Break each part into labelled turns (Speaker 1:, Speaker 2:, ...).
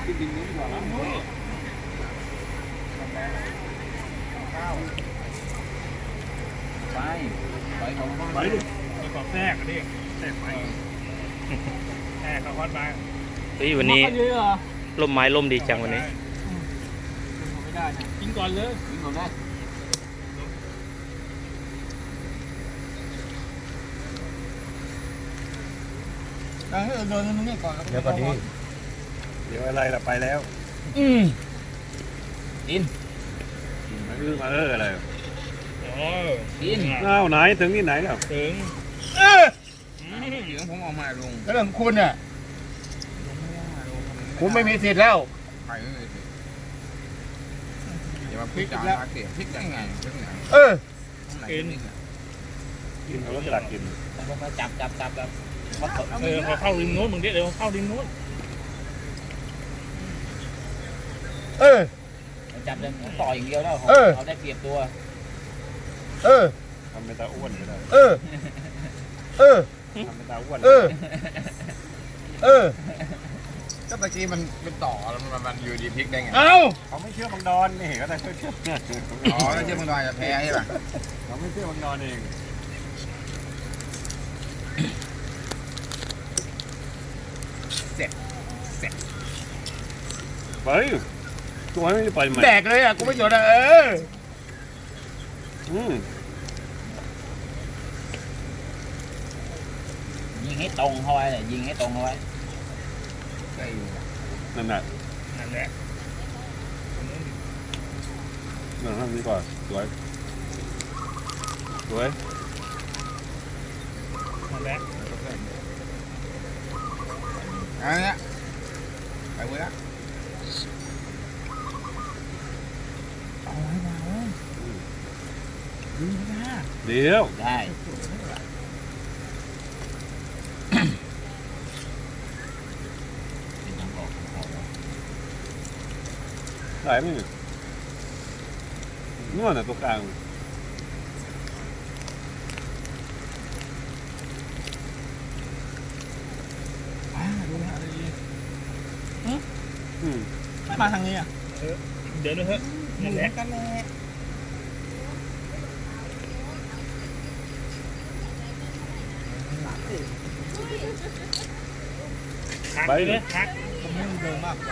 Speaker 1: ดินนี้ดีกว่าข้าวไปของไปดิไปของแทรกดิแทรกไปแทรกเขาวัดมา
Speaker 2: วันนี้ร่มไม้ร่มดีจังวันนี้
Speaker 1: ไม่ได้นะกินก่อนเลยกินก่อนได้เดินตรงนี้ก่อนเดี๋ยวก่อนดีเดี๋ยวอะไรล่ะไปแล้วกินมาอะไรกินอ้าวไหนถึงที่ไหนแล้วถึงเดี๋ยวผมเอามาลงแล้วเรื่องคุณเนี่ยคุณไม่มีสิทธิ์แล้วไปไม่มีสิทธิ์อย่ามาพลิกจ่าเสียพลิกได้ไงกินเขาก็จะกินมาจับแล้วพอเข้าริมโน้นมึงเดี๋ยวเข้าริมโน้นจับเลยต่ออย่างเดียวแล้วเขาได้เปรียบตัวทำเป็นตาอ้วนก็ได้ทำเป็นตาอ้วนก็ตะกี้มันเป็นต่อแล้วมันอยู่ดีพลิกได้ไงเขาไม่เชื่อบางดอนนี่ก็ได้เชื่ออ๋อไม่เชื่อบางดอนจะแพ้ใช่ป่ะเขาไม่เชื่อบางดอนเองเสร็จไปตัวไม่ได้ไปไหมแตกเลยอ่ะกูไม่หยุดอ่ะยิงให้ตรงเข้าไว้เลยยิงให้ตรงเข้าไว้นั่นแหละนั่นทำนี้ก่อนสวยนั่นแหละอันนี้ไปเว้ยละเอาให้มาเว้ยดีนะเดี๋ยวได้ไหลไหมเนี่ยนวดน่ะตัวกลางดูนะอะไรดีไม่มาทางนี้อ่ะเดี๋ยวเถอะนั่นแหละกันแหละไปเลยฮักผมไม่เดินมาก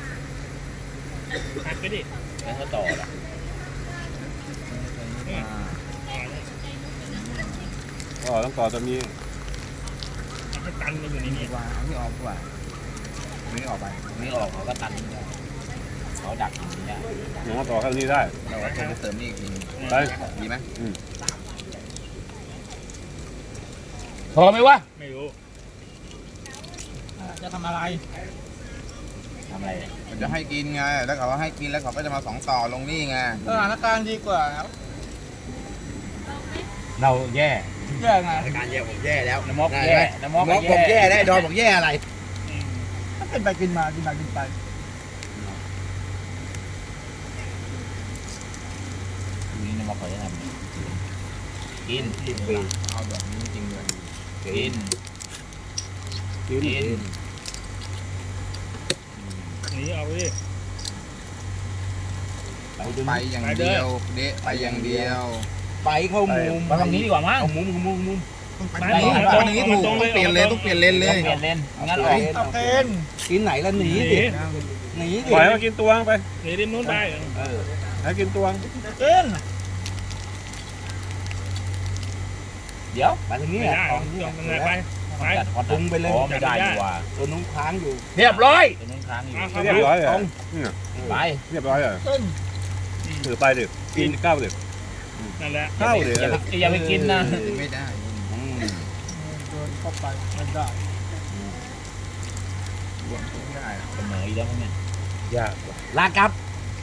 Speaker 1: ฮักไปดิแล้วเขาต่อละต้องต่อตัวนี้ให้ตันมันอยู่ในนี้ว่าเอาที่ออกกว่าไม่ออกไปไม่ออกเขาก็ตันเขาดักอย่างนี้อย่างว่าต่อข้างนี้ได้เราจะเติมนี่อีกทีได้ดีไหมพอไหมวะไม่รู้จะทำอะไรมันจะให้กินไงแล้วเขาให้กินแล้วเขาก็จะมาสองต่อลงนี่ไงสถานการณ์ดีกว่าครับเราแย่ไงสถานการณ์แย่ผมแย่แล้วน้ำมอกแย่น้ำมอกผมแย่ได้ดอนผมแย่อะไรถ้าเป็นไปกินมากินไปนี่น้ำมอกเขาจะทำกินเอาแบบนี้จริงเลยกินนี่เอาไปดิไปอย่างเดียวเดะไปอย่างเดียวไปเข้ามุมมาทางนี้ดีกว่ามั้งเอามุมไปทางนี้ถูกต้องเปลี่ยนเลนเลยเปลี่ยนเลนงั้นออกเป็นกินไหนแล้วหนีดิปล่อยมากินตัวไปหนีริมนู้นไปให้กินตัวเดี๋ยวไปทางนี้ไปพุงไปเลยไม่ได้ดีกว่าตัวนู้นค้างอยู่เรียบร้อยตัวนู้นค้างอยู่เรียบร้อยไปเรียบร้อยเลยถือไปดิกินข้าวดินั่นแหละข้าวดิอย่าไปกินนะไม่ได้โดนเข้าไปไม่ได้เสมออีกแล้วเนี่ยยากลากับ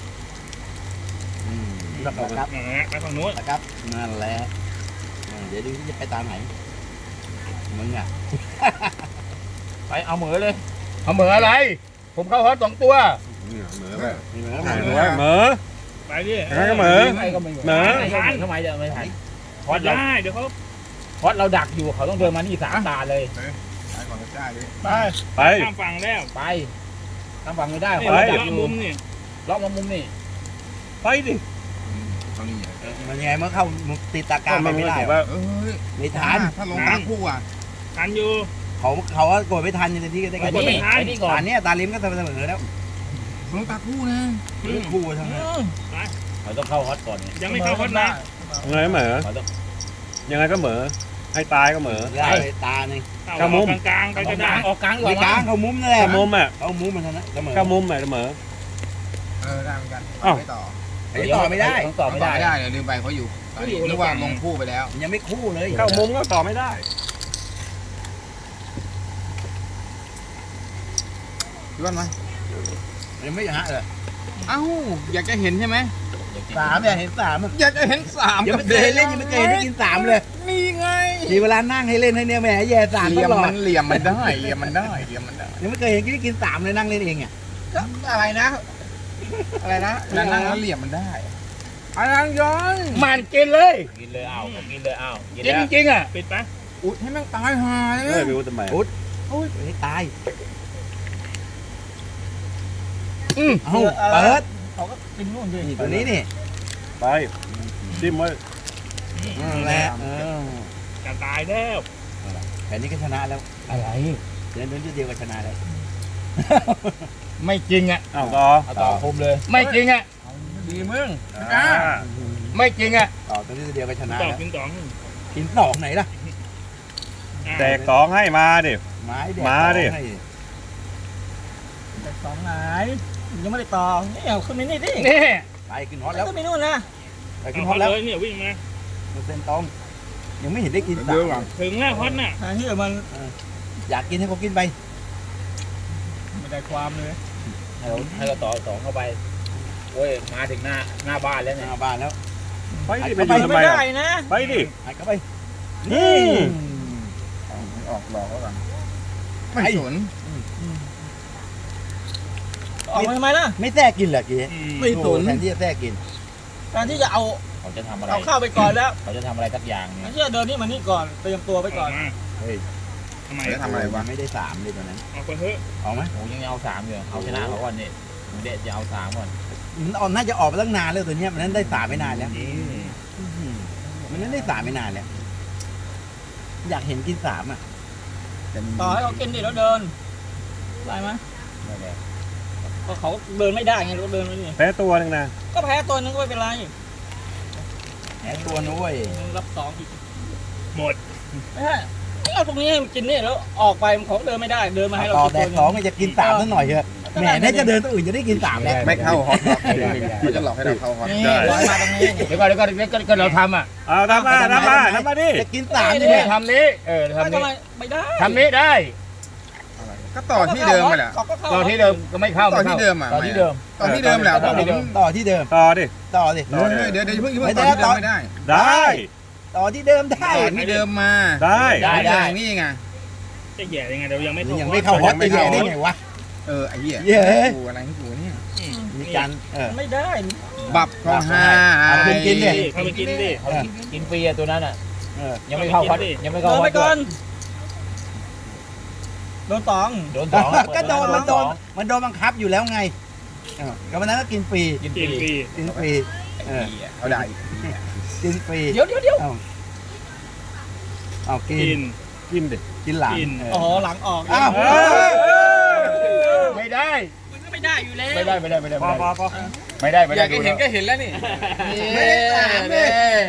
Speaker 1: ลากับไปฝั่งนู้นลากับนั่นแหละเดี๋ยวดูที่จะไปตามไหนมึงอ่ะไปเอาเหมือเลยเอาเหมืออะไรผมเข้าฮอต2 ตัวเหมือไปเหมือไปดิเหมือทำไมเดี๋ยวไม่ถ่ายฮอตได้เดี๋ยวเขาฮอตเราดักอยู่เขาต้องเดินมานี่3 ตาเลยไปก่อนจะได้ดิไปข้ามฝั่งแล้วไปทำฝั่งไม่ได้
Speaker 3: นี่
Speaker 1: ขอ
Speaker 3: เรา
Speaker 1: จั
Speaker 3: จะ
Speaker 1: บอยู่
Speaker 3: มุมนี่
Speaker 1: ล็อกมามุมนี่
Speaker 2: ไปดิ
Speaker 4: เขานี่
Speaker 1: มันยังไงเมื่อเข้าติดตากลางไปไม่ได้
Speaker 2: ว่า
Speaker 4: เอ้ย
Speaker 1: ไม่ทัน
Speaker 4: ถ้าลงตาคู่อ่ะ
Speaker 3: ทันอยู่
Speaker 1: เขาก็กดไม่ทันอย่างที่ได้
Speaker 3: ก
Speaker 1: กัน
Speaker 3: ดไม่ทัน
Speaker 1: อันนี้ตาลิมก็เสมอแล้ว
Speaker 4: ลงตาคู่นะ
Speaker 1: คู่ทั้งนั้นเขาต้องเข้าฮอตก่อน
Speaker 3: ยังไม่เข้าฮอตนะ
Speaker 2: ยังไงก็เหมือ
Speaker 1: เขาต้อง
Speaker 2: ยังไงก็เหมือให้ตายก็เหมือ
Speaker 1: ได้ตาหนึ่ง
Speaker 3: เข้ามุมกลางๆไปก็ได้
Speaker 1: ออกกลางไม่กลางเขามุมนั่นแหละ
Speaker 2: เข้ามุมอ่ะ
Speaker 1: เขามุมมันเท่านั้นเสมอ
Speaker 2: เข้ามุมอ่ะเหมือ
Speaker 4: ได้เหมือนกัน
Speaker 2: อ้าว
Speaker 4: ไม่ต่อ
Speaker 1: ต่อไม่ได้ต่อไม่ได้
Speaker 4: ไม่ได้เนี่ยลืมไปเขาอยู่ตอนนี้นึกว่าลงคู่ไปแล้ว
Speaker 1: ยังไม่คู่เลย
Speaker 2: เข้ามุมก็ต่อไม่ได้
Speaker 4: พี่บ้านมา
Speaker 1: ยังไม่ฮะเลย
Speaker 4: เอ้าอยากจะเห็นใช่ไหม
Speaker 1: สามเนี่ยเห็นสาม
Speaker 4: อยากจะเห็นสาม
Speaker 1: ยังไม่เคยเล่นยังไม่เคยได้กินสามเลย
Speaker 4: นี่ไง
Speaker 1: ทีเวลานั่งให้เล่นให้เนี่ยแหมแย่สาม
Speaker 4: เห
Speaker 1: ต
Speaker 4: ลี่ยม
Speaker 1: ลอด
Speaker 4: มันเหลี่ยมมันได้เหลี่ยมมันได้เหลี่ยมมันได้
Speaker 1: ยังไม่เคยเห็นกินสามเลยนั่งเล่นเองอ่ะ
Speaker 4: อะไรนะ อะไรนะนั่งแล้วเหลี่ยมมันได้อะไรย้อน
Speaker 1: มันกินเลยกินเลยอ้าวกินเลยอ้าวกินจริงๆอ่ะ
Speaker 3: ปิดปะ
Speaker 4: อุดให้แม่งตายหายเล
Speaker 2: เฮ้ย
Speaker 4: ย
Speaker 2: ไปรู้ทำไม
Speaker 1: โอ้ยให้ตายเอาเปิด
Speaker 3: เขาก็กินนู่นดิ
Speaker 1: นี่ตัวนี้นี่
Speaker 2: ไปจิ้มไว้
Speaker 1: นั่นแหละ
Speaker 3: จะตายแล้ว
Speaker 1: แผนนี้ก็ชนะแล้วอะไรเดินเดียวก็ชนะแล้ว
Speaker 3: ไม่จริงอ่ะ
Speaker 2: อ้าวต่อ
Speaker 1: เอาต่อคมเลย
Speaker 3: ไม่จริงอ่ะ
Speaker 4: ดีมึง
Speaker 2: อ่า
Speaker 3: ไม่จริงอ่ะ
Speaker 1: ต่อตัวนี้เดียวก็ชนะ
Speaker 3: ต่อ
Speaker 1: แล้ว
Speaker 3: กินต่อ
Speaker 1: กินสองไหนล่ะ
Speaker 2: แตกสองให้มาดิ
Speaker 1: ไม้แดง
Speaker 2: มาดิ
Speaker 1: ให้
Speaker 5: แต่สองไหนยังไม่ได้ต่อนี่เอาขึ้นไปนี่ดิ
Speaker 3: นี่
Speaker 1: ไปขึ้นฮอตแล้ว
Speaker 5: ขึ้นไปนู่นนะ
Speaker 1: ไปขึ้นฮอตแล้ว
Speaker 3: เลยเนี่ยวิ่งมา
Speaker 1: เส้นตรงยังไม่เห็นได้กินสา
Speaker 4: เดี๋ยว
Speaker 1: ม
Speaker 4: ก่อน
Speaker 3: ถึงแล้วฮอตน่ะ
Speaker 5: ทางที่มัน
Speaker 1: อยากกินให้เขากินไป
Speaker 5: ไม่ได้ความเลย
Speaker 1: ให้เราต่อสองเข้าไปโอ้ยมาถึงหน้าบ้านแล้วเนี่ยหน้าบ้านแล้ว
Speaker 2: ไปดิ
Speaker 1: ไป
Speaker 2: ไปอยู่ทำไม
Speaker 5: ไม่
Speaker 2: อ่ะ
Speaker 5: ได้นะ
Speaker 2: ไปดิ
Speaker 1: หันเข้าไป
Speaker 2: อืม
Speaker 4: ออกหลอกแล้วกันไม่สน
Speaker 5: ออกมาทำไมล่ะ
Speaker 1: ไม่แทรกกินเหรอกี้
Speaker 4: ไม่สน
Speaker 1: แทนที่จะแทรกกิน
Speaker 5: การที่จะเอา
Speaker 1: เขาจะทำอะไร
Speaker 5: เอาเข้าไปก่อนแล้ว
Speaker 1: เขาจะทำอะไรสักอย่าง
Speaker 5: การที่จะเดินนี่มานี่ก่อนเตรียมตัวไปก่อน
Speaker 1: เฮ้ย
Speaker 3: ทำไม
Speaker 4: จะทำอะไรวะ
Speaker 1: ไม่ได้สามเลยตอนนั้น
Speaker 3: ออกไปเถอะ
Speaker 1: ออกไหม
Speaker 6: ผมยังเอาสามอยู่เอาชนะเขาก่อนนี่ผมเด็ดจะเอาสามก่อน
Speaker 1: มันออกน่าจะออกไปตั้งนานแล้วตัวเนี้ยมันนั้นได้สามไม่นานแล้วมันนั้นได้สามไม่นานแล้วอยากเห็นกินสามอ่ะ
Speaker 5: ต่อให้เขากินดิแล้วเดินได้ไหม
Speaker 6: ไม่ได้
Speaker 5: ก็เขาเดินไม่ได้ไงเราเดินไม่ได้
Speaker 2: แพ้ตัวหนึงนะ
Speaker 5: ก็แพ้ตัวนึงก็ไม่เป็นไร
Speaker 1: แอบตัวนุ้ย
Speaker 5: รับสองอีก
Speaker 3: หมด
Speaker 5: ไม่ใช่เอาตรงนี้ให้มันกินนี่แล้วออกไปเขาเดินไม่ได้เดินมาให้เรา
Speaker 1: ต่อ
Speaker 5: กิน
Speaker 1: แต่
Speaker 5: ตัว
Speaker 1: สอง
Speaker 5: นึง
Speaker 1: จะกินสามสักหน่อยเถอะแหมน่าจะเดินตัวอื่นจะได้กินสามแล้ว
Speaker 4: ไม่เข้าฮอตเขาจะหลอกให้เราเข้าฮอต
Speaker 5: นี่ร้อยมาตรงนี้
Speaker 6: เดี๋ยวก็เราทำอ่ะ
Speaker 2: เอาทำมาดิ
Speaker 1: จะกินสาม
Speaker 6: นี่
Speaker 1: เนี่ย
Speaker 6: ทำนี้ทำ
Speaker 5: ไม่
Speaker 6: นี้
Speaker 5: ทำไมไม่ได้
Speaker 6: ทำนี้ได้
Speaker 4: ก็ต่อที่เดิมไปแหละ
Speaker 5: เขาก็เข้า
Speaker 6: ต่อที่เดิมก็ไม่เข้า
Speaker 4: ต่อที่เดิมอ่ะ
Speaker 6: ต่อที่เดิม
Speaker 4: ต่อที่เดิมแหละ
Speaker 6: ต่อที่เดิม
Speaker 1: ต่อที่เดิม
Speaker 2: ต่อดิ
Speaker 1: ต่อดิ
Speaker 4: เดี๋ยวเพิ่งต่อที่เดิมไม่ได้
Speaker 2: ได้
Speaker 1: ต่อที่เดิมได้
Speaker 4: ต่อที่เดิมมา
Speaker 2: ได้
Speaker 6: ได้
Speaker 4: นี่ไง
Speaker 3: จะแย่ยังไงเดี๋ยวยังไม่
Speaker 1: ยังไม่เข้าฮอตจะแย่ได้ไงวะ
Speaker 4: ไอ้เหี้ย
Speaker 1: เย้
Speaker 4: กูอะไรให้กูเนี่ย
Speaker 1: มีการ
Speaker 5: ไม่ได้
Speaker 4: บับเขาหา
Speaker 1: กินดิ
Speaker 3: เข้าไปกินดิ
Speaker 6: กินฟรีอ่ะตัวนั้นอ่ะ
Speaker 1: เออ
Speaker 6: ยังไม่เข้าวัดยังไม่เข้า
Speaker 5: เดิน
Speaker 6: วั
Speaker 5: ไป
Speaker 6: ด
Speaker 5: ก่อนโดนตอง
Speaker 6: โดนสอง
Speaker 1: ก็โดนมันโดนบังคับอยู่แล้วไงก็วันนั้นก็กินฟรี
Speaker 6: กินฟ
Speaker 3: กินฟ
Speaker 6: รี
Speaker 3: รี
Speaker 1: กินฟรี
Speaker 4: เขาได้
Speaker 1: กินฟรี
Speaker 5: เดี๋ยว
Speaker 1: เอากิ
Speaker 3: กิ
Speaker 1: น
Speaker 3: น
Speaker 2: กินดิ
Speaker 1: กินหลัง
Speaker 5: อ๋อหลังออก
Speaker 1: อ้าว
Speaker 6: ไม่ได้
Speaker 5: มันก็ไม่ได้อยู่แล้ว
Speaker 6: ไม่ได้ไม่ได้ไม่ได้
Speaker 2: พอพอพอ
Speaker 6: ไม่ได้ไม่
Speaker 4: อ
Speaker 6: ได้
Speaker 4: ยากเห็นก็เห็นแล้วนี่
Speaker 1: ไม่ได้สามเลย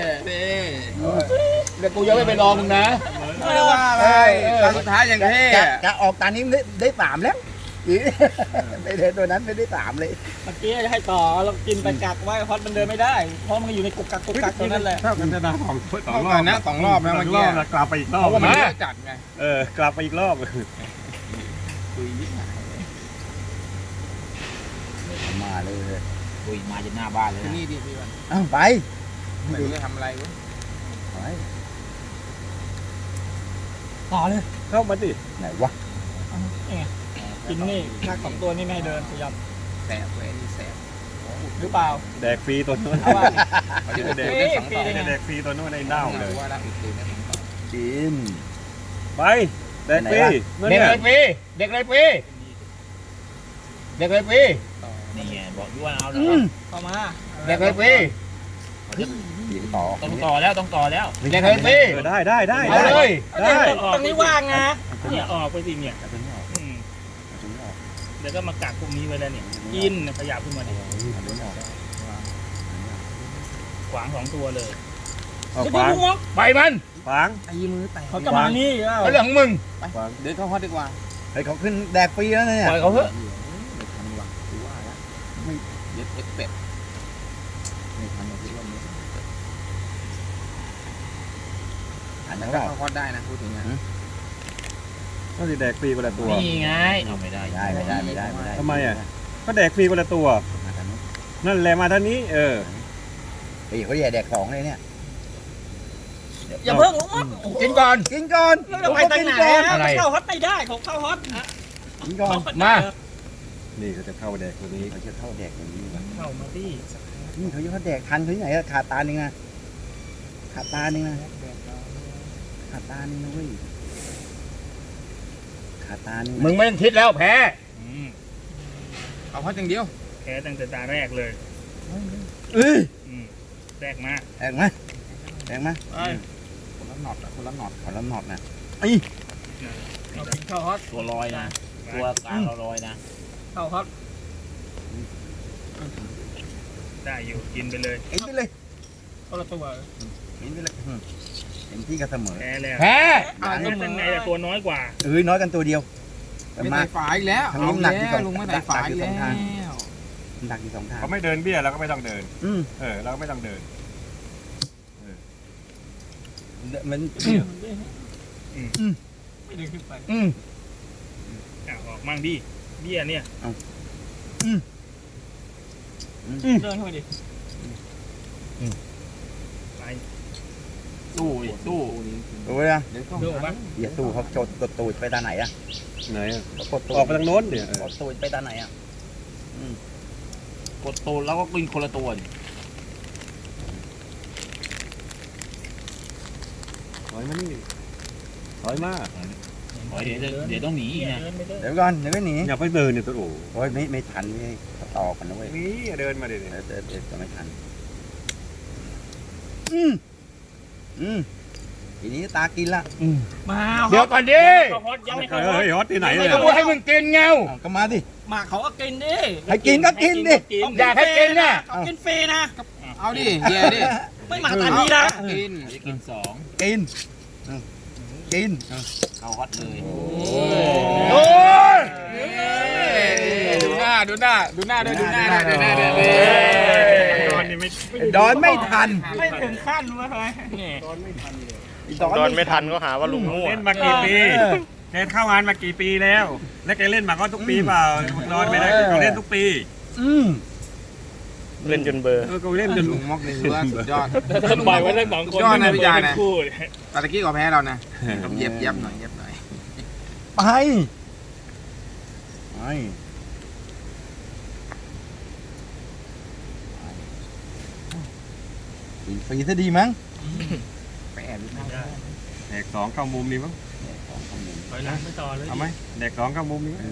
Speaker 6: เดี๋ยวกูยังไม่ไปรอมึงนะ
Speaker 4: ไม่ได้ว่าอะไรตอนสุดท้ายยังเท่
Speaker 1: จะออกตานี้ได้สามแล้วไม่เดินตัวนั้นไม่ได้สามเลย
Speaker 5: เมื่อกี้จะให้ต่อเรากินไปกักไว้เพราะมันเดินไม่ได้ เพราะมันอยู่ในกุกกักตัวนั้นแหละ
Speaker 2: เท่ากันจะนะสอง
Speaker 4: สองรอบนะ2 รอบนะเมื่อกี้
Speaker 2: กลับไปอีกรอบ
Speaker 4: เพราะว่ามันเยอะจัดไง
Speaker 2: กลับไปอีกรอบ
Speaker 1: มาเลย
Speaker 6: คุยมาจนหน้าบ้านเลยนะ
Speaker 4: นี่ดิพี่วัน
Speaker 1: อ้าวไป
Speaker 4: ไม่รู้จะทำอะไรวะ
Speaker 5: ต่อเลย
Speaker 2: เข้ามาดิ
Speaker 1: ไหนวะ
Speaker 5: กินนี่กักสองตัวนี่ไม่ให้เดินพยายาม
Speaker 4: แสบเว้ยนี่แสบ
Speaker 5: หรือเปล่า
Speaker 2: แดกฟรีตัวนู้น
Speaker 5: เอาว่า
Speaker 4: เขาจะเดินได้2 ต่อ
Speaker 2: แดกฟรีตัวนู้นในเน่าเลย
Speaker 4: ว่าแล้วอีกคืนได้2 ต่อ
Speaker 1: กิน
Speaker 2: ไปแดกฟรี
Speaker 6: เด็กเลยฟรีเด็กเลยฟรี
Speaker 1: เด็กเลยพี่
Speaker 6: นี่ไงบอกอยู่ว่าเอาแล้ว
Speaker 5: เข้ามา
Speaker 1: เด็กเลยพี่
Speaker 4: ต่อ
Speaker 6: ต้องต่อแล้วต้องต่อแล้ว
Speaker 1: เด็กเลยพี่
Speaker 4: ได้ได้
Speaker 1: เอาเลย
Speaker 5: ตรงนี้ว่างนะ
Speaker 3: เนี่ยออกไปสิเนี่ยอืมเดี๋ยวก็มากักพวกนี้ไว้แล้วเนี่ยกินขยับขึ้นมาดิขวาง2 ตัวเลย
Speaker 5: จะดูงอก
Speaker 1: ไปมัน
Speaker 4: ฟัง
Speaker 5: ตีมือแตกเขาจะมานี่แล้ว
Speaker 1: เอาเรื่องของมึง
Speaker 4: เดินเข้าฮอตดีกว่า
Speaker 1: เฮ้ยเขาขึ้นแดกฟรีแล้วเนี่ยปล่อยเขาเถอะ
Speaker 4: ไม่ทันว่ะกูว่าแล้วไม่เย็ดเอ็กเป็ดไม่ทันหรอกที่ว่านี้
Speaker 1: อันนั้น
Speaker 4: ก็
Speaker 1: ก็
Speaker 4: เข้าฮอตได้นะพูดถึงนะ
Speaker 7: ก็สิแดกฟรีคนละตัว
Speaker 6: นี่ไงเอาไม่ได้
Speaker 1: ไม่ได้
Speaker 7: ทำไมอ่ะ ก็แดกฟรีคนละตัว นั่นแหละมาท่านนี้
Speaker 1: ไอ้เขาแย่แดกของเลยเนี่ย
Speaker 5: อย่าเพิ่งลงมา
Speaker 1: กินก่อนกินก่อน
Speaker 5: เราไปทางไหนเข้าฮอตไม่ได้ของเข้าฮอต
Speaker 1: กินก่อนมา
Speaker 7: นี่เขาจะเข้าแดกตัวนี้
Speaker 1: เขาจะเข้าแดกอย่างนี้
Speaker 3: เข้ามาดิ
Speaker 1: นี่เขาจะเข้าแดกทันเขาที่ไหนอะขาดตาหนึ่งนะขาดตาหนึ่งนะขาดตาหนึ่งนะเว้ยขาดตาหนึ่งมึงไม่ต้องคิดแล้วแพ้
Speaker 4: เอาฮอตอย่างเดียว
Speaker 3: แพ้ตั้งแต่ตาแรกเลย
Speaker 1: เอ้ย
Speaker 3: แรกมา
Speaker 1: แดกมาแดกมา
Speaker 4: คนละหนอดคนละหนอด
Speaker 1: ขอรับหนอดนะ
Speaker 5: เข้าฮอต
Speaker 6: ตัวลอยนะตัวกลางเราลอยนะ
Speaker 5: เข้าฮอต
Speaker 3: ได้อยู่กินไปเลย
Speaker 1: กินไปเลย
Speaker 5: คนละตัว
Speaker 1: กินไปเลยเต็มที่ก็เสมอ
Speaker 3: แพ้แล้ว
Speaker 1: แพ้
Speaker 3: ต้องเป็นไงแต่ตัวน้อยกว่า
Speaker 1: น้อยกันตัวเดียวแต่
Speaker 4: ไม่
Speaker 1: มา
Speaker 4: ใส่ฝาอีกแล้ว
Speaker 1: ทางนี้หนักที่สอง
Speaker 4: ลุงไม่ใส่ฝาอีกแล้ว
Speaker 1: ดักอยู่สองทาง
Speaker 7: เขาไม่เดินเบี้ยเราก็ไม่ต้องเดิน
Speaker 1: อืม
Speaker 7: เราก็ไม่ต้องเดิน
Speaker 1: มัน
Speaker 5: ไม่ดึงขึ้นไป
Speaker 3: ออกมั่งดิเบี้ยเนี่ย
Speaker 5: เดินเข้าไปดิ
Speaker 3: ไป
Speaker 6: ตู้ดิตู้
Speaker 1: ดูเลยนะ
Speaker 4: เดี๋ยวเข้า
Speaker 3: ดูปะ
Speaker 1: อย่าสู้เขาจดกดตูดไปตาไหนอะ
Speaker 7: ไหนอะ
Speaker 1: กดตูด
Speaker 7: ออกไปทางโน้นเนี่ย
Speaker 1: กดตูดไปตาไหนอะ
Speaker 6: กดตูแล้วก็กินคนละตัวดิ
Speaker 7: ถอยมานี่ถอยมา
Speaker 6: เดี๋ยวต้องหนีอีกนะ
Speaker 3: เดินไปเดิน
Speaker 1: เดี๋ยวก่อนเดี๋ยวไม่หนี
Speaker 7: อย่าไปเดินเนี่ยตัวโอ้
Speaker 1: โอ้ยไม่ทันไม่ต่อกันนะเว้ย
Speaker 7: นี่เดินมาดิ
Speaker 1: เดี๋ยวจะไม่ทันทีนี้ตากินละ
Speaker 5: มา
Speaker 1: เดี๋ยวก่อนดิ
Speaker 3: เข้าฮอตยังไม่เข้าฮอ
Speaker 7: เฮ้
Speaker 3: ต
Speaker 7: ยฮอตที่ไหน
Speaker 1: ไม่
Speaker 7: เนี่ย
Speaker 1: ต้องพูดให้มึงกินเงาก็มาดิ
Speaker 5: มาเขาก็กินดิ
Speaker 1: ให้กินก็กินดิอยากให้กินน่ะ
Speaker 5: เขากินฟรีนะ
Speaker 4: เอาดิเย่ดิ
Speaker 5: ไม่มาตานี้นะ
Speaker 4: กิน
Speaker 6: จะกิน2
Speaker 1: กินกิน
Speaker 6: เข้าฮอตเลย
Speaker 1: โอ้ย
Speaker 4: ดูหน้าด้วยดูหน้าด้วย
Speaker 3: ตอนนี้ไม่
Speaker 1: ดอนไม่ทัน
Speaker 5: ไม่ถึงขั้นวะเฮ้ย
Speaker 3: เนี่ย
Speaker 2: ดอนไม่ทันก็หาว่าลุงมั่ว
Speaker 7: เล่นมากี่ปีแกเข้างานมากี่ปีแล้ว แล้วแกเล่นมาก็ทุกปีเปล่านอนไม่ได้เขาเล่นทุกปี
Speaker 2: เล่นจนเบอร์
Speaker 7: ก็เล่นจน
Speaker 4: ลุงมอกนี่ถือว่าสุดยอด
Speaker 3: ถ้าปล่อยไว้ทั้ง2 คน
Speaker 4: ยอดนะพี่ยานะ
Speaker 3: คู่
Speaker 4: ตะกี้ก็แพ้เรานะต้องเย็บหน่อย
Speaker 1: ไปกินฟรีซะดีมั้ง
Speaker 4: ไปแอบดูหน้า
Speaker 7: แดก2เข้ามุมนี้มั้ง
Speaker 3: ถอยหลังไปต่อเลย
Speaker 7: เอาไหมแดก2เข้ามุมนี้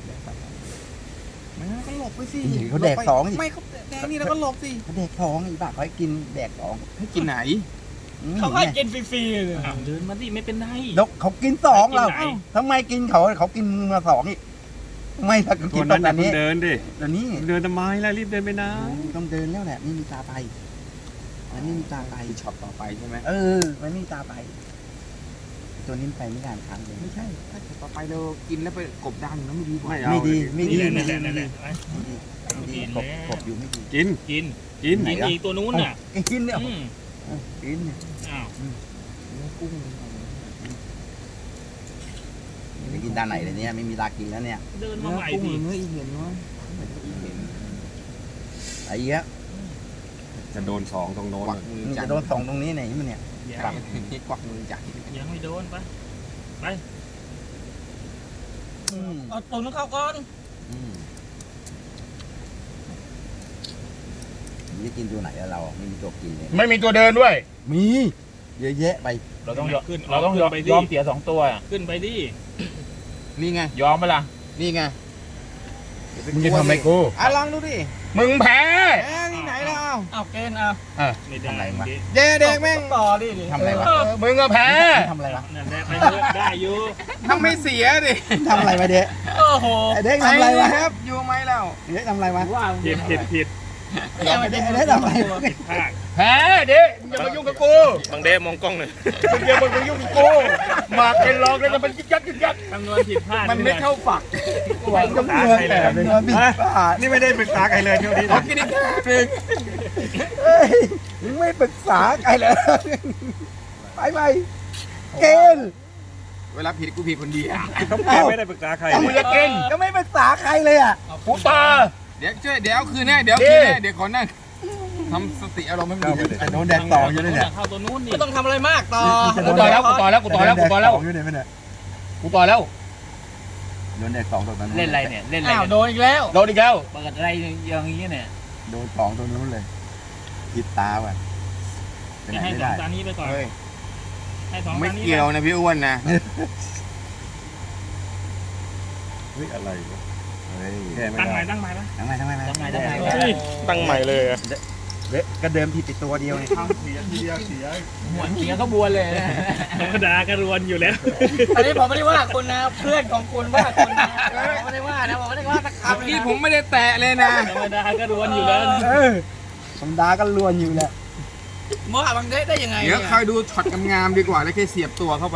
Speaker 4: ไม่ก็หลบไปสิ
Speaker 1: เขาแดกสองอีก
Speaker 4: ไม่เขาแดกนี่แล้วก็หลบสิ
Speaker 1: เขาแดกสองอีบ้าเขาให้กินแดกสอง
Speaker 4: ให้กินไหน
Speaker 5: เขาให้กินฟรีๆเลย
Speaker 3: เดินมาดิไม่เป็นไร
Speaker 1: ดกเขากินสองเรา
Speaker 3: ให้กินไหน
Speaker 1: ทำไมกินเขากินมาสองอีกไม่ถ้าเขา
Speaker 7: ตั
Speaker 1: กิ
Speaker 7: วน
Speaker 1: ต
Speaker 7: นั้
Speaker 1: อน น
Speaker 7: อย่าเพิ่
Speaker 1: นี้
Speaker 7: งเดินดิ
Speaker 1: ตอนนี้
Speaker 7: เดินทำไมล่ะรีบเดินไปนะ
Speaker 1: ต้องเดินแล้วแหละไม่มีตาไปมันไม่มีตาไป
Speaker 4: ช็อตต่อไปใช่ไหม
Speaker 1: มันไม่มีตาไป ตัวนี้ไปไม่ได้ครั้งเลย
Speaker 4: ไม่ใช่ถ้าต่อไปเรากินแล้วไปกบดานอยู่แล้วไม่ดีกว่า
Speaker 7: ไม่เอา
Speaker 1: ไม่ดีไม่ดี
Speaker 3: นั่น
Speaker 1: ไม่
Speaker 3: แห
Speaker 1: ดี
Speaker 3: ละนั่นแหละ
Speaker 1: ไม่ดีกบอยู่ไม่ดี
Speaker 7: กิน
Speaker 3: กิน
Speaker 7: กิน
Speaker 1: ไหน
Speaker 3: กินอีกตัวนู้นน่ะ
Speaker 1: กินเนี่ย
Speaker 3: อืม
Speaker 1: กินเนี่ย
Speaker 3: อ้าว
Speaker 1: ไปกินตาไหนเลยเนี่ยไม่มีตากินแล้วเนี่ย
Speaker 3: เดินมา
Speaker 4: เนื้อ
Speaker 3: ใหม่
Speaker 4: กุ้ง
Speaker 3: ดิ
Speaker 4: เนื้ออีเห็นวะ
Speaker 1: ไอ้เหี้ย
Speaker 7: จะโดน2ตรงโน้น
Speaker 4: กวักมือ
Speaker 1: มัน
Speaker 4: จั
Speaker 1: จะ
Speaker 4: ง
Speaker 1: โดนสองตรงนี้ไหนมันเนี่ย
Speaker 3: ยัง
Speaker 4: กวักมือจัง
Speaker 3: ยังไม่โดนปะ
Speaker 5: เอาตัวนู้นเข้าก่อน
Speaker 1: มันจะกินตัวไหนแล้วเราไม่มีตัวกินเลย
Speaker 3: ไม่มีตัวเดินด้วย
Speaker 1: มีเยอะแยะไป
Speaker 6: เราต้อง
Speaker 3: ขึ้น
Speaker 6: เราต้องยอม
Speaker 3: ไปดิ
Speaker 6: ยอมเสีย2ตัว
Speaker 3: ขึ้นไปดิ
Speaker 4: นี่ไง
Speaker 6: ยอมไหมล่ะ
Speaker 4: นี่ไง
Speaker 1: มึงจะทำอะไรกู
Speaker 4: ลองดูดิ
Speaker 1: มึงแพ้
Speaker 4: นี่ไหนเรา
Speaker 5: เอาเกณฑ์เอา
Speaker 3: ไม่ได้
Speaker 1: ทำอะไรวะ
Speaker 4: เด็กแม่ง
Speaker 5: ต่อดิ
Speaker 1: ทำอะไรวะมึงก็แพ้ทำอะไรวะ
Speaker 3: นั่นแหละไปเถอะได้อยู่
Speaker 4: ทำไม่เสียดิ
Speaker 1: ทำอะไรวะเด็ก
Speaker 5: โอ้โห
Speaker 1: เด็กทำอะไรวะ
Speaker 4: ครับอยู่ไหมเรา
Speaker 1: เด็กทำอะไรวะ
Speaker 5: ว่า
Speaker 3: ผิด
Speaker 5: เด็ก
Speaker 3: ผิดผิด
Speaker 1: เด็กทำอะไรวะ
Speaker 3: ผิดพลาด
Speaker 1: แพ้เด็กอย่ามายุ่งกับกู
Speaker 2: บางเดมองกล้องหน่อย
Speaker 1: มึงอย่ามายุ่งกับกูมาเป็นรองแล้วจะเป็นยึกยักยึกยัก
Speaker 3: คำนวณผิดพลาด
Speaker 4: มันไม่เข้าฝัก
Speaker 1: หวังก็เงินแต่เป็นเงินบิดบาท
Speaker 7: นี่ไม่ได้ปรึกษาใครเลยเที่ยวนี้
Speaker 4: เอา
Speaker 7: นะ
Speaker 4: กินอีกหนึ่ง
Speaker 1: เฮ้ยมึงไม่ปรึกษาใครเลยไปไปเกณฑ์
Speaker 4: เวลาผิดกูผิดคนเดียว
Speaker 7: ต้องแกไม่ได้ปรึกษาใคร
Speaker 1: กูจะกินก็ไม่ปรึกษาใครเลยอ่ะกูตา
Speaker 4: เดี๋ยวเอาคืนแน่เดี๋ยวคืนแน่เดี๋ยวขอนั่งทำสติอารมณ์ให้มันดี
Speaker 1: โดนแดดต่ออยู่เลยเนี่ย
Speaker 3: เข้าตัวนู้นนี่
Speaker 5: ไม่ต้องทำอะไรมากต่อ
Speaker 1: กูต่อแล้วกูต่อแล้วกูต่อแล้วกูต่อแล้ว
Speaker 7: อยู่ไหนไม่เนี่ย
Speaker 1: กูต่อแล้วโดนแดดสองตัวนั้น
Speaker 6: เล่นอะไรเนี่ยเล่นอะไร
Speaker 5: อ้าว
Speaker 6: กัน
Speaker 5: โดนอีกแล้ว
Speaker 1: โดนอีกแล้ว
Speaker 6: เปิดอะไรอย่างนี้เนี่ย
Speaker 1: โดนสองตัวนู้นเลยผิดตาว่ะไปไหน
Speaker 3: ให้
Speaker 1: ไม่
Speaker 3: สอ
Speaker 1: ได้
Speaker 3: งจานนี้ไปก่อน
Speaker 4: เฮ้ย
Speaker 3: ให้สอง
Speaker 4: ไม่
Speaker 3: จานนี้
Speaker 4: เกี่ยวนะพี่อ้วนนะ
Speaker 7: เฮ้ยอะไรวะ
Speaker 1: เฮ้ย
Speaker 7: แก้ไม่
Speaker 3: ตั้งให
Speaker 7: ได้
Speaker 3: ม่ตั้งใหม่ปะ
Speaker 1: ทำไม
Speaker 6: ทำไมทำไม
Speaker 2: ตั้งใหม่เลยอะ
Speaker 1: ก็เดิมผิดไปตัวเดียวไง
Speaker 6: หัวเสียก็บวนเลยนะ
Speaker 3: ธรรมดาก็รวนอยู่แล้ว
Speaker 5: อันนี้ผมไม่ได้ว่าคุณนะเพื่อนของคุณว่าคุณนะผมไม่ได้ว่านะผมไม่ได้ว่าสักคำ
Speaker 4: เมื่อ
Speaker 5: เลย
Speaker 4: กี้
Speaker 5: นะ
Speaker 4: ผมไม่ได้แตะเลยนะ
Speaker 3: ธรรมดาก็รวนอยู่แล้ว
Speaker 1: ธรรมดาก็ลวนอยู่แหละ
Speaker 5: ว่าบางได้ยังไง
Speaker 4: เดี๋ยวคอยดูช็อตงามๆดีกว่าแล้วแค่เสียบตัวเข้าไป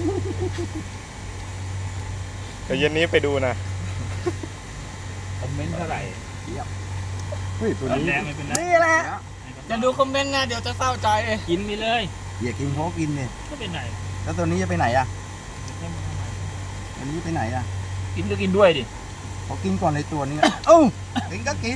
Speaker 2: เดี๋ยวเย็นนี้ไปดูนะ
Speaker 6: คอมเมนต์เท่าไหร่
Speaker 7: เฮ้ยตัวนี้
Speaker 3: แดงไม่เป็นไร
Speaker 1: นี่แหละ
Speaker 5: จะดูคอมเมนต์นะเดี๋ยวจะเศร้าใจ
Speaker 3: กินไปเลย
Speaker 1: อย่ากินเขากินเนี่ย
Speaker 3: ก็เป็นไร
Speaker 1: แล้วตัวนี้จะไปไหนอ่ะตัวนี้จะไปไหนอ่ะ
Speaker 6: กินก็กินด้วยดิ
Speaker 1: เขากินก่อนเลยตัวนี้เอ้ากินก็กิน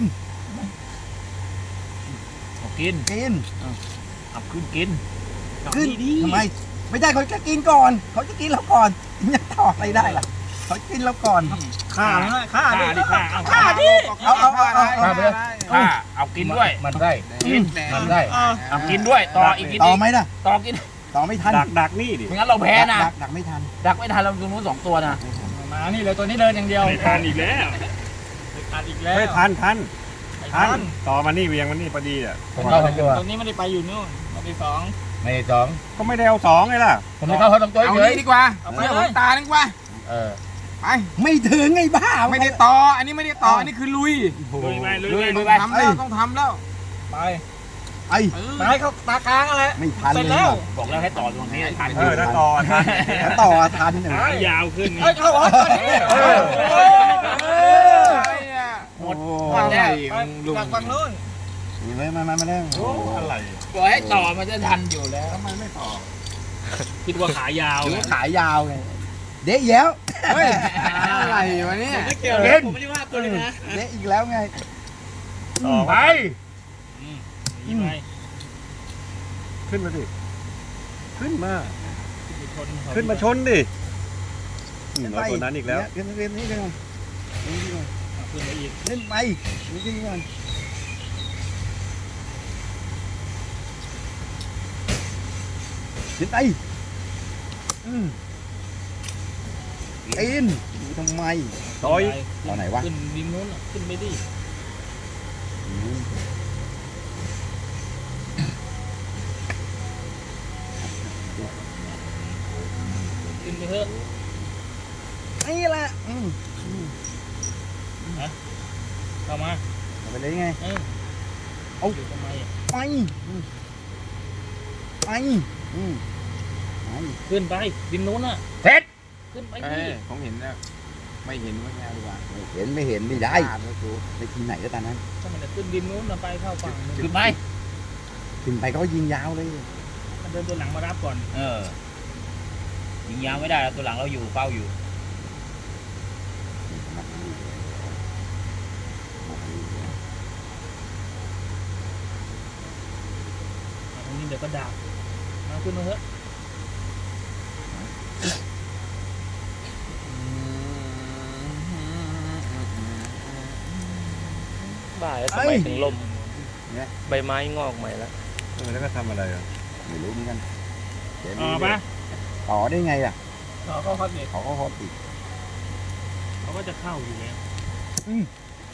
Speaker 6: เอากิน
Speaker 1: กิน
Speaker 6: เอาขึ้นกิน
Speaker 1: ขึ้นทำไมไม่ได้เขาจะกินก่อนเขาจะกินเราก่อนจะต่ออะไรได้ล่ะเขากินเราก่อน
Speaker 5: ฆ่าฆ่า
Speaker 3: ฆ่าดิฆ่าเอา
Speaker 5: ฆ่าดิ
Speaker 1: เอาไปเลย
Speaker 6: ถ้าเอากินด้วย
Speaker 1: มันได้
Speaker 6: กิน
Speaker 1: มันได้
Speaker 6: เอากินด้วยต่ออีกกิน
Speaker 1: ต่อ
Speaker 6: อีก
Speaker 1: ไหมนะ
Speaker 6: ต่อกิน
Speaker 1: ต่อไม่ทัน
Speaker 7: ดักนี่ดิ
Speaker 6: ไม่งั้นเราแพ้นะ
Speaker 1: ดักไม่ทัน
Speaker 6: ดักไม่ทันเราตรงนู้น2 ตัวนะ
Speaker 5: มานี่เลยตัวนี้เดินอย่างเดียว
Speaker 3: ไม่ทานอีกแล้ว
Speaker 5: ขาดอีกแล้ว
Speaker 7: เฮ้ยทัน
Speaker 5: ทัน
Speaker 7: ต่อมานี่เวียงมันนี่พอดีอ่ะ
Speaker 1: ผมเข้าทั้งตัว
Speaker 5: ตัวนี้ไม่ได้ไปอยู่นู่นตัวที่สอง
Speaker 1: ไม่สอง
Speaker 7: ก็ไม่ได้เอาสองไงล่ะ
Speaker 1: ผมไม่เข้าเขาทั้งตัว
Speaker 4: เอา
Speaker 1: เฉย
Speaker 4: นี่ดีกว่า
Speaker 5: เอาไป
Speaker 4: เชื่อ
Speaker 5: เล
Speaker 4: ผ
Speaker 5: ย
Speaker 4: มตาดีกว่า
Speaker 1: เออ
Speaker 4: ไป
Speaker 1: ไม่ถึงไงบ้า
Speaker 4: ไม่ได้ต่ออันนี้ไม่ได้ต่ออันนี้คือลุย
Speaker 3: ลุยไปลุย
Speaker 6: ลุย
Speaker 3: ไป
Speaker 6: ไป
Speaker 4: ทำแล้วต้องทำแล้ว
Speaker 5: ไป
Speaker 1: ไอ้
Speaker 5: ไปเขาตากลางอะไร
Speaker 1: ไม่ทัน
Speaker 5: เสร็จ
Speaker 1: เลย
Speaker 5: แล้ว
Speaker 6: บอกแล้วให้ต่อตรงนี้ทัน
Speaker 7: ถ้าต่อทัน
Speaker 1: แล้วต่อทันหนึ่ง
Speaker 3: ขายาวขึ้น
Speaker 5: เฮ้ยเข้าหัวตัวนี้
Speaker 1: หมด
Speaker 4: อะไร
Speaker 5: ลุงจากฝั่งนู้น
Speaker 1: เลยมาแล้ว
Speaker 7: อะไร
Speaker 6: บอกให้ต่อมันจะทันอยู่แล้ว
Speaker 3: คิดว่าขายาว
Speaker 1: ถือว่าขายาวไงเดะแล้ว
Speaker 4: เฮ้ยอะไรวะเนี่ย
Speaker 5: ไม่เกี่ยวผมไม่ได้ว่าตัวนี้นะ
Speaker 1: เดะอีกแล้วไง
Speaker 7: ต่อ
Speaker 1: ไป
Speaker 3: ยิงไป
Speaker 7: ขึ้นมาดิ ขึ้นมา
Speaker 3: ชน
Speaker 7: ขึ้นมาชนดิเราตัวนั้นอีกแล้ว
Speaker 1: เล่นนี่กัน
Speaker 3: ขึ้นไปอีก
Speaker 1: เล่นไปนี่กันก่อนเล่นไปอินทำไม
Speaker 7: ต่อย
Speaker 1: ตอนไหนวะ
Speaker 3: ขึ้นริมนู้นขึ้นไปดิขึ้นไปเถอะ
Speaker 1: นี่แหละ
Speaker 3: เข้ามา
Speaker 1: ไปเลยไง
Speaker 3: เอาอยู่ทำไม
Speaker 1: ไปไป
Speaker 3: ขึ้นไปริมนู้นน่ะ
Speaker 1: เสร็จ
Speaker 3: ขึ้นไป
Speaker 4: เอ้
Speaker 3: ดิ
Speaker 4: ยผมเห็นแล้วไม่เห็นว่าไงดีกว่า
Speaker 1: ไม่เห็นไม่ได้ไปทีไหนก็ตามนั้น
Speaker 3: ถ้ามันจะขึ้นริมนู้นน่ะไปเข้าฝั่งนู้น
Speaker 6: ขึ้นไหม
Speaker 1: ถึงไปก็ยิงยาวเลย
Speaker 3: มันเดินตัวหลังมารับก่อน
Speaker 6: ยิงยาวไม่ได้แล้วตัวหลังเราอยู่เฝ้าอยู่
Speaker 3: ตรงนี้เดี๋ยวก็ดักมาขึ้นมาเถอะ
Speaker 2: บ่ายแล้วทำไมถึงลมใบไม้งอกใหม่แล้ว
Speaker 7: แล้วก็ทำอะไรอ่ะ
Speaker 1: ไม่รู้เหมือนกัน
Speaker 3: ปะ
Speaker 1: ต่อได้ไงล่ะ
Speaker 5: เราก็พัดเด็ก
Speaker 1: เขาก็ฮอตอีก
Speaker 3: เขาก็จะเข้าอยู่แล้ว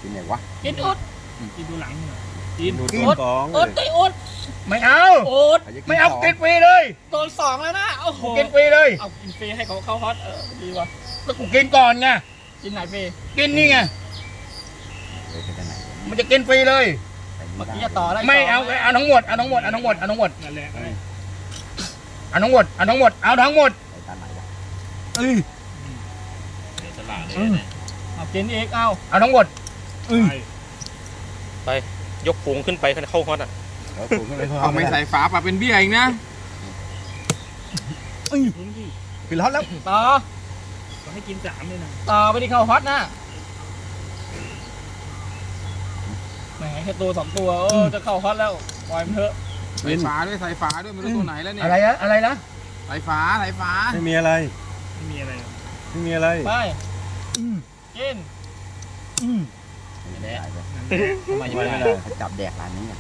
Speaker 1: กินไหนวะ
Speaker 5: กินอุด
Speaker 3: กินดูหลังหน่อยกิน
Speaker 7: ดู
Speaker 1: กิน
Speaker 7: กอง
Speaker 5: อุดได้อุด
Speaker 1: ไม่เอา
Speaker 5: อุด
Speaker 1: ไม่เอากินฟรีเลย
Speaker 5: โดนสองแล้วนะโอ้โห
Speaker 1: กินฟรีเลย
Speaker 5: เอากินฟรีให้เขาเข้าฮอตดีว่ะ
Speaker 1: แล้วกูกินก่อนไง
Speaker 5: กินไหนฟรี
Speaker 1: กินนี่ไงมันจะกินฟรีเลย
Speaker 5: เมื่อกี้จะต่อได้
Speaker 1: ไม่เอาเอาทั้งหมดเอาทั้งหมดเอาทั้งหมดเอาทั้งหมด
Speaker 3: นั่นแหละ
Speaker 1: เอาทั้งหมดเอาทั้งหมดเอาทั้งหมดเอ้ย
Speaker 6: เดี๋ยวฉลาดเลยเนี่ย
Speaker 5: เอากินอีกเอา
Speaker 1: เอาทั้งหมด
Speaker 3: ไป
Speaker 2: ยกฝูงขึ้นไปเข้าฮอตอ่ะ
Speaker 4: เอาไม่ใส่ฝาปะเป็นเบี้ยอีกนะ
Speaker 3: กินดิ
Speaker 1: ปิดร้อนแล้ว
Speaker 5: ต่อ
Speaker 3: ต้องให้กิน3เลยนะ
Speaker 5: ต่อไปที่เข้าฮอตนะแหมแค่ตัว2ตัวจะเข้าฮอตแล้วปล่อยมันเถอะ
Speaker 4: ใส่ฝาด้วยใส่ฝาด้วยไม่รู้ตัวไหนแล้วเนี่ย
Speaker 1: อะไรนะอะไรนะ
Speaker 4: ใส่ฝาใส่ฝา
Speaker 7: ไม่มีอะไร
Speaker 3: ไม่มีอะไร
Speaker 7: ไม่มีอะไร
Speaker 5: ไปกิน
Speaker 6: ไม่ได้ทำไม
Speaker 7: ไม่
Speaker 6: ไม่
Speaker 7: ได้
Speaker 6: ได้
Speaker 1: จับแดกร้านนี้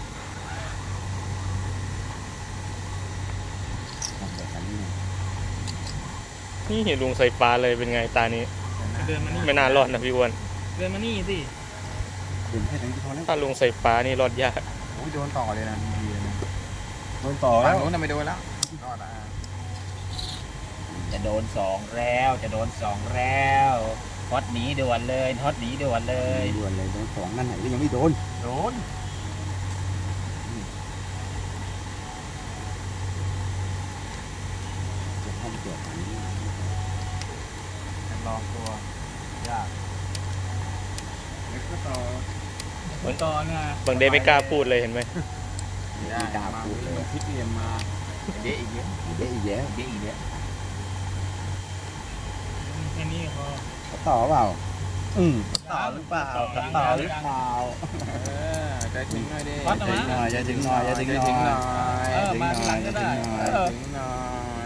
Speaker 2: นี่ลุงใส่ปลาเลยเป็นไงตานี้
Speaker 3: เดินมานี่
Speaker 2: ไม่น่ารอดนะพี่อ้วน
Speaker 3: เดินมานี่สิ
Speaker 1: กินแค่นี้พอแล้ว
Speaker 2: ถ้าลุงใส่ปลานี่รอดยาก
Speaker 4: โอ้ยโดนต่อเลยนะ
Speaker 7: โดนต่อ
Speaker 4: ฝั่
Speaker 7: แล้
Speaker 4: ง
Speaker 7: ว
Speaker 4: โน้นน่ะไม่โดนแล้วรอดอ่ะ
Speaker 6: จะโดน2แล้วจะโดน2แล้วฮอตหนีด่วนเลยฮอตหนีด่วนเลย
Speaker 1: ด่วนเลยโดนสองนั่นไหนก็ยังไม่โดน
Speaker 6: โดน
Speaker 1: จะห้องเกี่ยวกันนี้
Speaker 4: ลองตัวยากแล้วก็ต่อ
Speaker 5: เหมือนต่อเนี่ย
Speaker 2: บางเดย์ไม่กล้าพูดเลยเห็นไหม
Speaker 1: ไม่กล้าพูดเลย
Speaker 4: พลิกเหลี่ยมมา
Speaker 6: เดี๋ยวอีกเยอะ
Speaker 1: เยอะอีกแล้ว
Speaker 6: เดี๋ยวอีกเยอะ
Speaker 3: แค่นี้พอ
Speaker 1: เขาต่อเปล่าต่อหรือเปล่า
Speaker 3: ต่อหรือ
Speaker 1: เปล่า
Speaker 4: ใจถึงหน่อยดิ
Speaker 5: ฮอตนะ
Speaker 1: หน่อยจะถึงหน่อยจะถึงหน่อย
Speaker 4: ใจถึงหน่อย
Speaker 5: มาหลังก็ได้
Speaker 4: ถึงหน่อย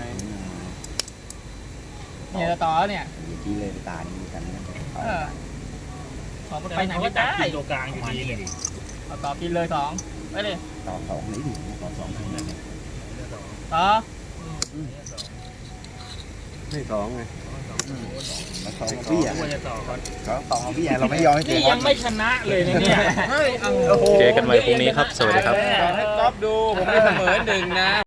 Speaker 5: เนี่ยจะต่อแล้วเนี่ย
Speaker 1: กี้เลยตานี้กัน
Speaker 5: สองไปไหนไม่ได้
Speaker 3: กินตัวกลางอยู่ดีเลย
Speaker 5: เอาต่อกินเลย2ไปเลย
Speaker 1: ต่อสองนี้ดิต่อสองนี้
Speaker 5: ต่อ
Speaker 7: ไม่สองไง
Speaker 1: แล้วสองพี่อ่ะ
Speaker 3: ควรจะต่อก่อน
Speaker 1: ก็สองพี่อ่ะเราไม่ยอมให้เจ
Speaker 5: นี่
Speaker 1: อ
Speaker 5: ยังไม่ชนะเลยนะเนี่ย
Speaker 2: เจอกันใหม่พรุ่งนี้ครับ สวัสดีครับ
Speaker 4: ให้ก๊อฟดูผมได้เสมอ1นะ